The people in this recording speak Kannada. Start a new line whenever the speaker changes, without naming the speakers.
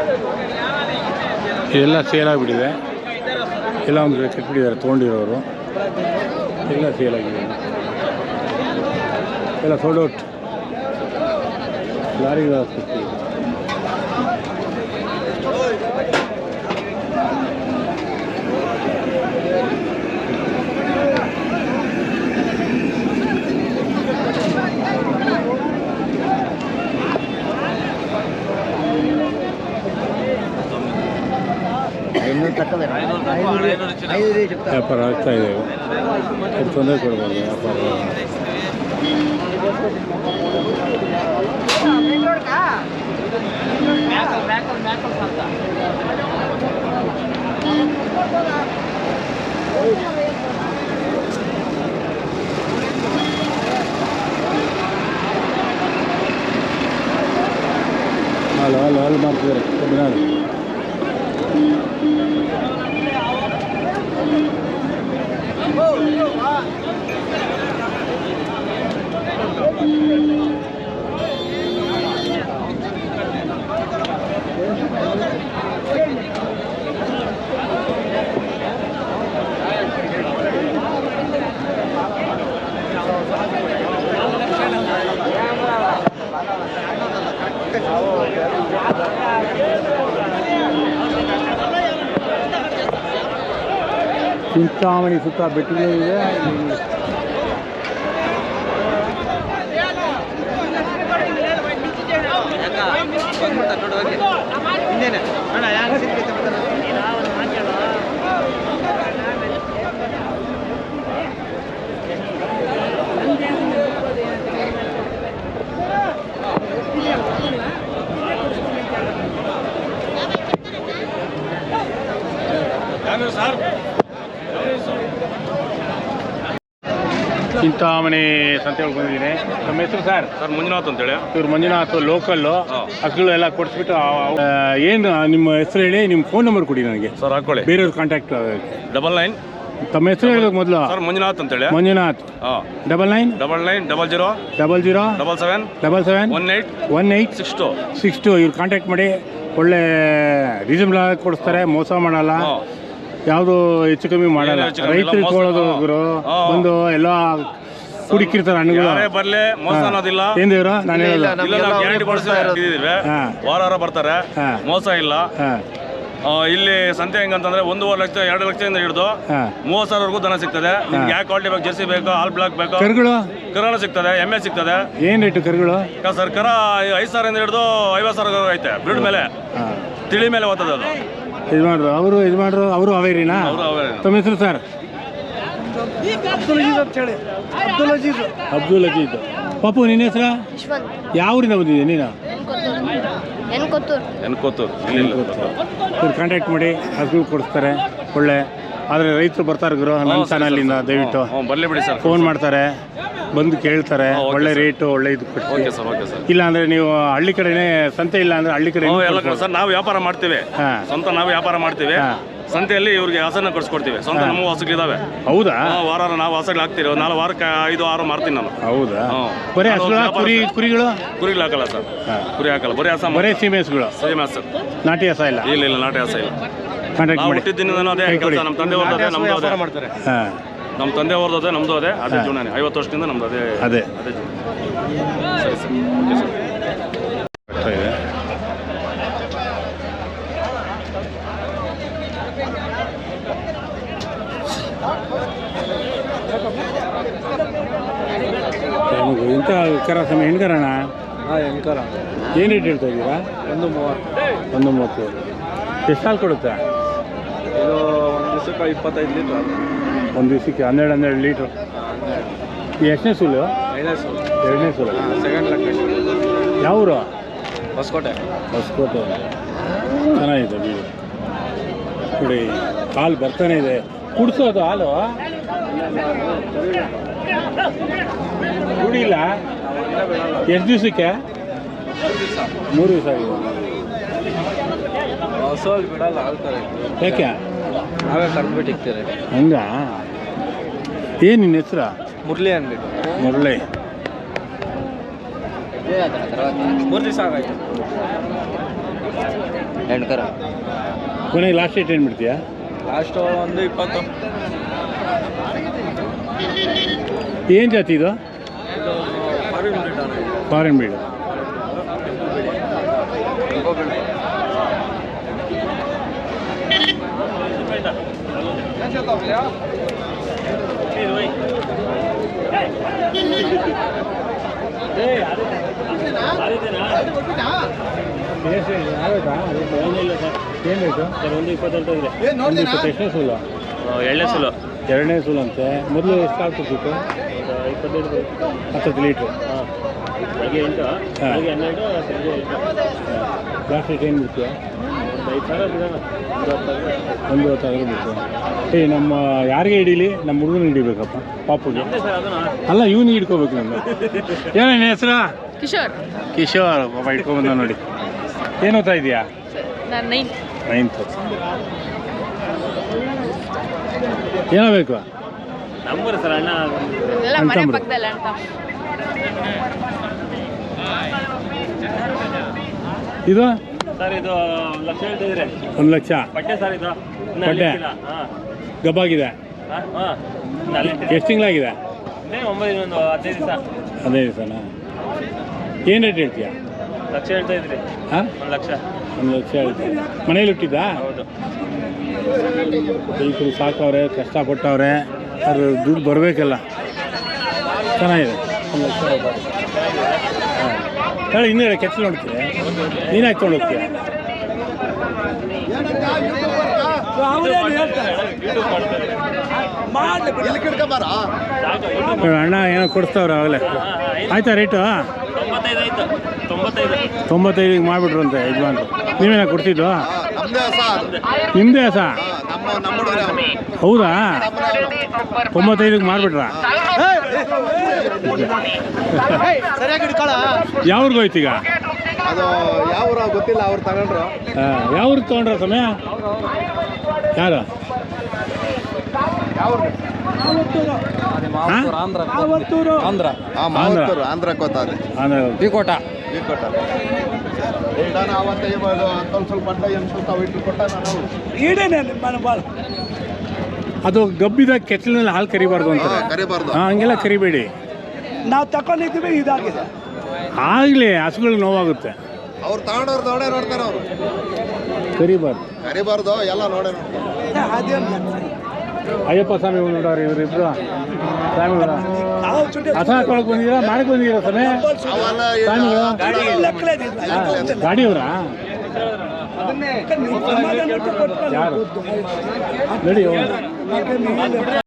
ಇದೆಲ್ಲ ಸೇಲ್ ಆಗಿಬಿಟ್ಟಿದೆ. ಎಲ್ಲ ಒಂದು ಕಡೆ ಕಟ್ಬಿಟ್ಟಿದ್ದಾರೆ ತೊಗೊಂಡಿರೋರು. ಎಲ್ಲ ಸೇಲ್ ಆಗಿದೆ. ಎಲ್ಲ ಸೋಲ್ಡ್ ಔಟ್. ಲಾರಿಗಳು ಹಾಕ್ತಿತ್ತು. ವ್ಯಾಪಾರ ಆಗ್ತಾ ಇದೆ. ತೊಂದರೆ ಕೊಡ್ಬೋದು ವ್ಯಾಪಾರ. ಹಾಲು ಮಾಡ್ತಿದ್ದಾರೆ ಕಬ್ಬಿನಾಡು. ಚಿಂತಾಮಣಿ ಸುತ್ತ ಬೆಟ್ಟಗಳಿದೆ. ಚಿಂತಾಮಣಿ ಸಂತೆಗೆ ಬಂದಿದ್ದೀನಿ. ನಮ್ಮ ಹೆಸರು ಸರ್?
ಸರ್ ಮಂಜುನಾಥ್ ಅಂತೇಳಿ.
ಇವ್ರು ಮಂಜುನಾಥ್ ಲೋಕಲ್ಲು. ಹಸುಗಳು ಎಲ್ಲ ಕೊಡಿಸ್ಬಿಟ್ಟು ಏನು ನಿಮ್ಮ ಹೆಸರು ಹೇಳಿ, ನಿಮ್ಮ ಫೋನ್ ನಂಬರ್ ಕೊಡಿ ನನಗೆ.
ಸರ್ ಹಾಕೊಳ್ಳಿ,
ಬೇರೆಯವ್ರ ಕಾಂಟ್ಯಾಕ್ಟ್.
99.
ತಮ್ಮ ಹೆಸರು ಹೇಳೋದು ಮೊದಲು.
ಸರ್ ಮಂಜುನಾಥ್ ಅಂತೇಳಿ.
ಮಂಜುನಾಥ್.
99 00
00
77
77 18 62. ಇವ್ರು ಕಾಂಟ್ಯಾಕ್ಟ್ ಮಾಡಿ. ಒಳ್ಳೆ ರೀಸನಬಲ್ ಆಗಿ ಕೊಡಿಸ್ತಾರೆ, ಮೋಸ ಮಾಡಲ್ಲ, ಯಾವುದು ಹೆಚ್ಚು ಕಮ್ಮಿ ಮಾಡಲ್ಲ. ರೈತರಿಗೆ ಕೊಡೋದು ಒಂದು ಎಲ್ಲ ಕುಡಿಕಿರ್ತಾರೆ ಹಣ್ಣುಗಳು. ಏನ್ ದೇವ್ರ ನಾನು
ವಾರ ಬರ್ತಾರೆ, ಮೋಸ ಇಲ್ಲ. ಇಲ್ಲಿ ಸಂತೆ ಹೆಂಗಂತಂದ್ರೆ 1.5 ಲಕ್ಷ 2 ಲಕ್ಷದಿಂದ ಹಿಡಿದು 30,000 ದನ ಸಿಗ್ತದೆ. ಯಾವ ಕ್ವಾಲಿಟಿ ಬೇಕು, ಜರ್ಸಿ ಬೇಕು, ಆಲ್ ಬ್ಲಾಕ್ ಬೇಕು, ಕರುಗಳು ಸಿಗ್ತದೆ, ಎಮ್ಮೆ ಸಿಗ್ತದೆ.
ಏನ್ ರೇಟು ಕರುಗಳು?
ಸರ್ ಕರ 5,000 ಹಿಡಿದು 50,000 ಐತೆ. ಬ್ರೀಡ್ ಮೇಲೆ, ತಿಳಿ ಮೇಲೆ ಓದ್ತದೆ ಅದು.
ಇದು ಮಾಡ್ರು ಅವರು ಅವೇರಿನಾ? ತಮ್ಮ ಹೆಸರು ಸರ್? ಅಬ್ದುಲ್ ಅಜೀಜ್. ಪಾಪು ನಿನ್ನ ಹೆಸರು? ಯಾವ ಊರಿಂದ ಬಂದಿದ್ದೆ ನೀನು? ಕಾಂಟ್ಯಾಕ್ಟ್ ಮಾಡಿ ಹಸುಗಳು ಕೊಡಿಸ್ತಾರೆ ಒಳ್ಳೆ. ಆದರೆ ರೈತರು ಬರ್ತಾರೆ ಗುರು ನಮ್ಮ ಚಾನಲಿಂದ, ದಯವಿಟ್ಟು
ಬರಲಿ ಬಿಡಿ ಸರ್.
ಫೋನ್ ಮಾಡ್ತಾರೆ, ಬಂದು ಕೇಳ್ತಾರೆ, ಒಳ್ಳೆ ರೇಟು ಒಳ್ಳೆ ಇದು. ಇಲ್ಲ ಅಂದ್ರೆ ನೀವು ಹಳ್ಳಿ ಕಡೆನೇ ಸಂತೆ, ಇಲ್ಲ ಅಂದ್ರೆ ಹಳ್ಳಿ ಕಡೆ
ಸರ್ ನಾವು ವ್ಯಾಪಾರ ಮಾಡ್ತೀವಿ, ಸ್ವಂತ ನಾವು ವ್ಯಾಪಾರ ಮಾಡ್ತೀವಿ. ಸಂತೆಯಲ್ಲಿ ಇವ್ರಿಗೆ ಹಸನ ಕೊಡಿಸ್ಕೊಡ್ತೀವಿ. ಸ್ವಂತ ನಮ್ಮ ಹಸುಗಳಿದಾವೆ.
ಹೌದಾ?
ವಾರ ನಾವು ಹಸುಗಳು ಹಾಕ್ತೀವಿ. 4 ವಾರಕ್ಕೆ 5-6 ಮಾರ್ತೀನಿ ನಾನು.
ಹೌದಾ? ಬರೀ ಕುರಿಗಳು
ಹಾಕಲ್ಲ ಸರ್, ಕುರಿ ಹಾಕಲ್ಲ. ಬರೀ ಹಸ, ಬರೀ
ಸೀಮೆ ಹಸುಗಳು. ನಾಟಿ ಹಸ ಇಲ್ಲ?
ಇಲ್ಲ, ನಾಟಿ ಹಸ ಇಲ್ಲ. ಹುಟ್ಟಿದ್ದೀನಿ ಅದೇ ಕೆಲಸ. ನಮ್ಮ ತಂದೆ ಅವ್ರದ್ದು ಅದೇ, ನಮ್ದು ಅದೇ ಮಾಡ್ತಾರೆ. ನಮ್ಮ ತಂದೆ ಅವ್ರದ್ದು ಅದೇ, ನಮ್ದು ಅದೇ. ಅದೇ ಜೀವನ 50 ವರ್ಷದಿಂದ ನಮ್ದು ಅದೇ ಅದೇ ಅದೇ ಜೀವನ. ಸರಿ ಸರ್, ಓಕೆ ಸರ್.
ಇಂಥ ಕರ ಸಮಯ ಹೆಣ್ಕರಣ?
ಹೆಣ್ಕರ.
ಏನು ರೇಟ್ ಹೇಳ್ತಾ ಇದ್ದೀರಾ? 130. ಎಷ್ಟು ಹಾಲು ಕೊಡುತ್ತೆ
ಇದು? ಒಂದು ದಿವಸಕ್ಕೆ 25 ಲೀಟ್ರ್.
ಒಂದು ದಿವಸಕ್ಕೆ 12 ಲೀಟ್ರ್. ಎಷ್ಟನೇ ಸೂಲು? 2ನೇ ಸೂಲು.
Second location.
ಯಾವ ಊರು?
ಹೊಸಕೋಟೆ.
ಚೆನ್ನಾಗಿದೆ ಬೀಡು ನೋಡಿ. ಹಾಲು ಬರ್ತಾನೆ ಇದೆ. ಕುಡಿಸೋದು ಹಾಲು ಕುಡಿಲ್ಲ. ಎಷ್ಟು ದಿವಸಕ್ಕೆ? 3 ದಿವಸ ಆಗಿದೆ.
ಹೊಸಲ್ಲಿ ಬಿಡಲ್ಲ, ಆಳ್ತಾರೆ.
ಯಾಕೆ?
ನಾವೇ ಕರ್ಬಿಟ್ಟು ಇಕ್ತೀರಿ.
ಹಂಗ? ಏನು ನಿನ್ನ ಹೆಸರು?
ಮುರಳಿ ಅಂದ್ಬಿಟ್ಟು.
ಮುರಳಿ.
3 ದಿವಸ ಆಗಾಯ್ತು. ಎಂಟ್ಕರ
ಕೊನೆಗೆ ಲಾಸ್ಟ್ ಡೇಟ್ ಏನು ಬಿಡ್ತೀಯಾ?
ಲಾಸ್ಟು ಒಂದು 20.
ಏನು ಜಾತಿ ಇದು? Foreign breed. ಎಷ್ಟನೇ ಸೂಲು? ಎರಡನೇ ಸೂಲು ಅಂತೆ. ಮೊದಲು ಎಷ್ಟು ಆಗ್ತಿತ್ತು? 20 ಲೀಟ್ರು. ಲಾಸ್ಟ್ ರೇಟ್ ಏನು ಬಿಡ್ತೀಯ? 1,20,000 ಬಿಡ್ತು. ನಮ್ಮ ಯಾರಿಗೆ ಹಿಡೀಲಿ? ನಮ್ಮ ಹುಡುಗನ ಹಿಡಿಬೇಕಪ್ಪ, ಪಾಪುಗೆ. ಅಲ್ಲ, ಇವನಿಗೆ ಹಿಡ್ಕೋಬೇಕು ನಮ್ಮ. ಏನೇನು ಹೆಸರು? ಕಿಶೋರ್ ಪಾಪ ಇಟ್ಕೊಂಬಂದ ನೋಡಿ. ಏನು ಓದ್ತಾ ಇದೆಯಾ? 9th. ಏನಾಗಬೇಕು?
ನಮ್ಮೂರು ಸರ್ ಅಣ್ಣ.
ಇದು
ಸರ್ ಇದು 1 ಲಕ್ಷ ಹೇಳ್ತಿದ್ರೆ.
1 ಲಕ್ಷ
ಪಟ್ಟೆ ಸರ್ ಇದು.
ಪಟ್ಟೆ ಗಬ್ಬಾಗಿದೆ. ಎಷ್ಟು ತಿಂಗಳಾಗಿದೆ?
15 ದಿವಸ.
15 ದಿವಸನಾ? ಏನು ರೇಟ್ ಹೇಳ್ತೀಯಾ?
ಲಕ್ಷ ಹೇಳ್ತಾ ಇದ್ರಿ.
ಹಾಂ,
1 ಲಕ್ಷ.
1 ಲಕ್ಷ ಹೇಳ್ತೀವಿ. ಮನೇಲಿ ಹುಟ್ಟಿದ್ದಾ?
ಹೌದು.
ರೈತರು ಸಾಕವ್ರೆ, ಕಷ್ಟಪಟ್ಟವ್ರೆ, ಅದು ದುಡ್ಡು ಬರಬೇಕಲ್ಲ. ಚೆನ್ನಾಗಿದೆ. 1 ಲಕ್ಷ. ಹಾಂ, ಹೇಳಿ ಇನ್ನೂ ಕೆಚ್ಚಲು ನೋಡ್ತೀವಿ. ನೀನು ಹಾಕ್ಕೊಂಡು ಹೋಗ್ತೀಯ? ಅಣ್ಣ ಏನೋ ಕೊಡಿಸ್ತಾವ್ರ ಆಗಲೇ. ಆಯ್ತಾ ರೇಟು? 95 ಮಾಡಿಬಿಟ್ರು ಅಂತ ಯಜಮಾನ್ರು. ನೀವೇನ ಕೊಡ್ತಿದ್ದು? ನಿಮ್ಮದೇ ಹಸ? ಹೌದಾ? 95 ಮಾಡಿಬಿಟ್ರ? ಯಾವ್ರಿಗೆ ಹೋಯ್ತು ಈಗ?
ಅದು ಯಾವ ಗೊತ್ತಿಲ್ಲ, ಅವ್ರು ತಗೊಂಡ್ರು.
ಯಾವ್ರಿಗೆ ತೊಗೊಂಡ್ರ ಸಮಯ? ಯಾರು?
ಆಂಧ್ರ ಕೋತಾರೆ.
ಬಿಕೋಟ.
ಅವತ್ತೇ ಸ್ವಲ್ಪ ಇಟ್ಟು ಕೊಟ್ಟ
ಅದು ಗಬ್ಬಿದ ಕೆಚ್ಚಲಿನಲ್ಲಿ ಹಾಲು ಕರಿಬಾರ್ದು ಅಂತ.
ಕರಿಬಾರ್ದು.
ಹಂಗೆಲ್ಲ ಕರಿಬೇಡಿ.
ನಾವು ತಗೊಂಡಿದ್ದೀವಿ, ಇದಾಗಿದೆ.
ಆಗಲಿ, ಹಸುಗಳಿಗೆ ನೋವಾಗುತ್ತೆ.
ಅವ್ರು ತಗೊಂಡವ್ರು ನೋಡೇ ನೋಡ್ತಾರೆ. ಅವರು ಕರಿಬಾರ್ದು, ಎಲ್ಲ ನೋಡೇ ನೋಡ್ತಾರೆ.
ಅಯ್ಯಪ್ಪ ಸ್ವಾಮಿ ನೋಡೋರು ಇವರಿಬ್ರು ಸ್ವಾಮಿಗಳು. ಹಸ ಹಾಕೊಳಕ್ ಬಂದಿದ್ದೀರಾ? ಮಾಡಕ್ ಬಂದಿದ್ದೀರಾ ಸಮಯ? ಸ್ವಾಮಿಗಳು ಗಾಡಿಯವರಾ? ಯಾರು? ನಡಿ.